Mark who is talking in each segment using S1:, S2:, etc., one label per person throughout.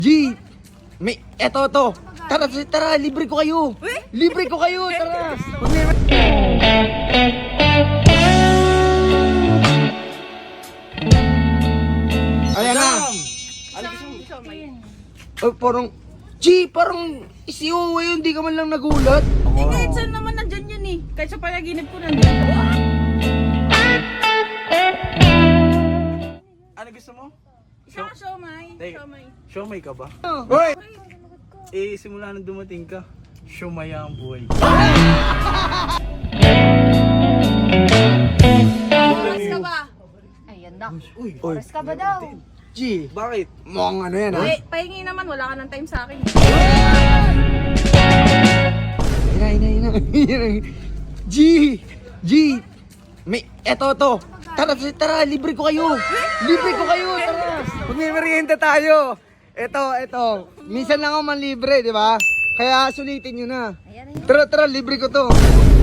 S1: G, eto to. Tara, tara, libre ko kayo. Libre ko kayo, tara. Ayan na. Oh, parang, G, parang isiuwi yun, di ka man lang nagulat.
S2: Eh kahit saan naman nandyan yan eh. Kahit sa panaginip ko nandyan.
S3: Ano gusto mo?
S2: Siomay.
S3: Teka.
S2: Siomay.
S3: Siomay ka ba?
S1: Hoy!
S3: Eh, simula nang dumating ka, siomaya ang buhay.
S2: Oras ka ba?
S4: Ayan na.
S3: Uy,
S4: Oras ka ba daw?
S1: G,
S3: bakit?
S1: mukhang ano yan ha?
S2: Pahingi naman, wala ka ng time sa akin.
S1: Ina. G, eto to. Tara, tara, libre ko kayo. Libre ko kayo, tara. Magmimerienda tayo. Eto. Minsan lang ako man libre, di ba? Kaya sulitin nyo na.
S4: Ayan.
S1: Tara, libre ko to.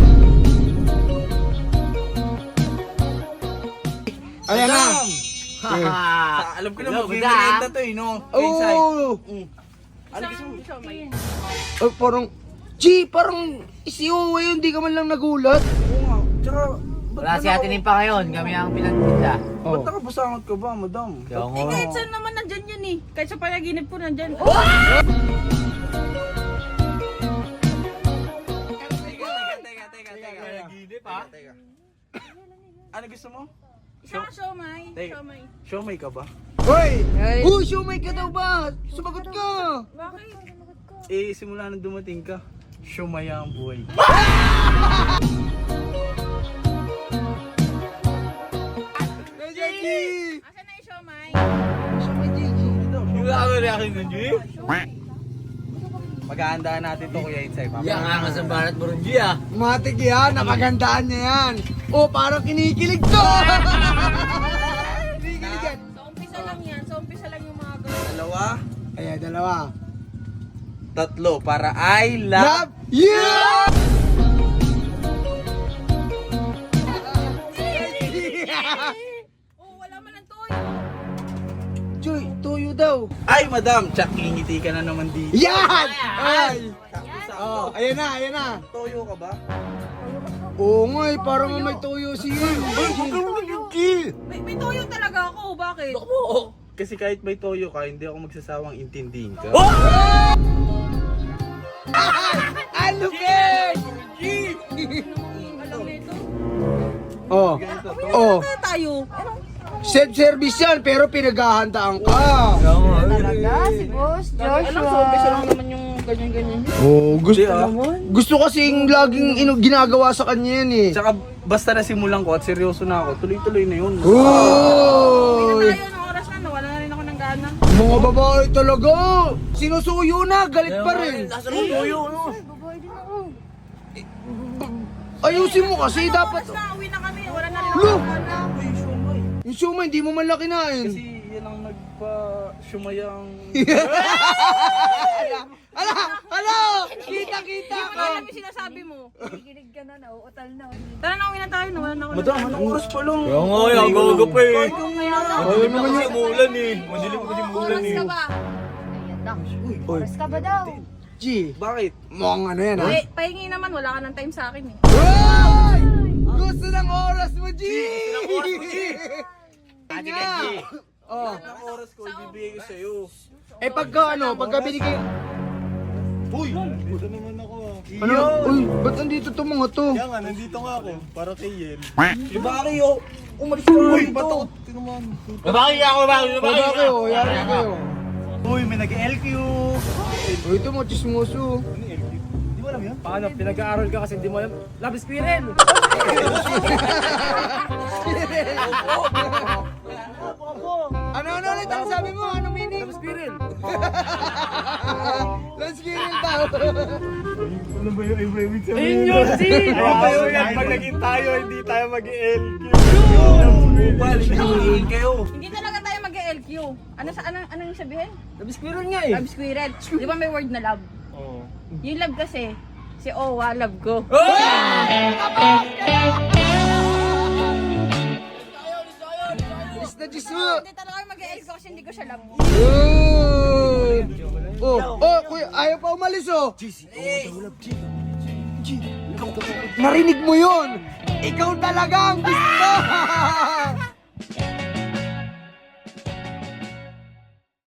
S1: Ayan na.
S3: Alam ko na mag-merienda to eh, no?
S1: Oh,
S3: Ano gusto mo?
S2: Siomay.
S1: oh, parang, G, parang isiuwi yun, di ka man lang nagulat.
S3: Oo nga. Tsaka,
S5: Wala si Ate Nimpa ngayon, kami ang pinagtinda.
S3: ba't nakapasangot ka ba, madam?
S5: Kaya
S2: Eh kahit saan naman nandyan yan eh. Kahit sa panaginip ko nandyan.
S3: Teka. Ano gusto mo?
S2: Siomay.
S3: Teka.
S2: Siomay.
S3: Siomay ka ba?
S1: Hoy! Siumay ka daw ba? Sumagot ka!
S2: Bakit?
S3: Eh, simula nang dumating ka, siomaya ang buhay.
S1: Jackie!
S2: Asan na yung siomay?
S1: Siumay, Jackie.
S5: Yung ako reaction ng G?
S3: Maghahandaan natin to, Kuya Insay.
S5: Yang angas ang barat mo rin G ah.
S1: Matik yan, napagandaan niya yan. Oh, parang kinikilig to! Kinikilig yan.
S2: Sa umpisa lang yan. Sa umpisa lang yung mga gawin.
S3: Dalawa,
S1: Ayan, dalawa.
S3: tatlo, para I
S1: Love you!
S2: Oh, wala man ang toyo.
S1: Joy, tuyo daw.
S3: Ay, madam! Tsak, ngingiti ka na naman dito.
S1: Yan! Ay! Oh, ayan na.
S3: Toyo ka ba?
S1: Oo nga eh, parang may tuyo siya.
S2: May toyo talaga ako. Bakit?
S3: Kasi kahit may toyo ka, hindi ako magsasawang intindihin ka.
S1: Ano ba?
S2: Alam nito.
S1: Oh, oh.
S2: Kaya tayo.
S1: Self-service yan, pero pinaghahandaan ka.
S4: Talaga, si Boss
S2: Alam, sa umpisa lang
S4: Joshua.
S2: naman yung ganyan-ganyan.
S1: Oh,
S3: Hindi,
S1: gusto kasing laging ginagawa sa kanya yan eh.
S3: Tsaka basta nasimulan ko at seryoso na ako, tuloy-tuloy na yun.
S1: Oh!
S2: Tayo ng oras na, nawala na rin ako ng gana.
S1: Mga babae talaga! Sinusuyo na, galit pa rin.
S5: Nasa ng toyo, no?
S4: Babae din ako.
S1: Ayusin mo kasi dapat.
S2: Oras na, uwi na kami. Wala na rin ako
S1: Lo!
S2: ng gana.
S3: Uy, siomay.
S1: Yung siumay, hindi mo man lang kinain.
S3: Kasi yan ang nagpa-siumayang...
S1: Ala! Kita
S2: Hindi mo
S1: ko!
S2: na alam yung sinasabi mo.
S4: Kikilig ka na, nauutal na.
S2: Tara na, uwi na tayo. Nawala na ako ng
S3: Madam,
S2: gana.
S3: anong oras pa lang?
S5: Kaya nga, yung agaw pa eh.
S1: Ayun naman yun.
S5: Umulan eh. Madilim kasi umulan
S2: Oras
S5: eh.
S2: ka ba?
S4: Ayan na. Oras ka ba daw?
S1: G,
S3: Bakit?
S1: mukhang ano yan ha?
S2: Pahingi naman, wala ka ng time sa akin eh.
S1: Hoy! Gusto ng oras mo, G!
S5: Ate
S1: Nga.
S5: G.
S1: Oh.
S3: Anong oras ko ibibigay ko sa'yo?
S1: Eh pagka binigay...
S6: Uy! Dito naman ako ah.
S1: Ano? Uy, ba't nandito to mga to?
S6: Kaya nga, nandito nga ako. Para kay Yen.
S3: Diba kayo? Umalis ka na
S6: Uy!
S3: dito.
S6: Ba't ako? Tinuman.
S5: Babaki ako, babaki
S1: Baba kayo, yari kayo.
S6: Uy! May nag-LQ!
S1: Uy, ito mo, chismoso.
S6: Ano yung LQ? Di mo alam yun?
S5: Paano? Pinag-aaral ka kasi hindi mo alam. Labis squirrel!
S1: Ano ulit ang sabi mo? Anong meaning?
S5: Labis squirrel!
S1: Let's get it daw.
S6: Ano ba yung ibig sabihin?
S5: Ayun yun, G!
S6: Tayo yan. Pag naging tayo, hindi tayo mag-LQ.
S3: Balik na uliin kayo.
S2: Hindi talaga tayo mag-LQ. Ano yung sabihin?
S5: Labis squirrel nga eh.
S2: Love squirrel. Di ba may word na love?
S6: Oo.
S2: Yung love kasi, si Owa, love ko.
S1: Bilis na Gis mo.
S2: Hindi talaga mag-e-L ko kasi hindi ko siya love.
S1: Yun. Oh, kuya, ayaw pa umalis oh. Narinig mo yun. Ikaw talaga ang gusto.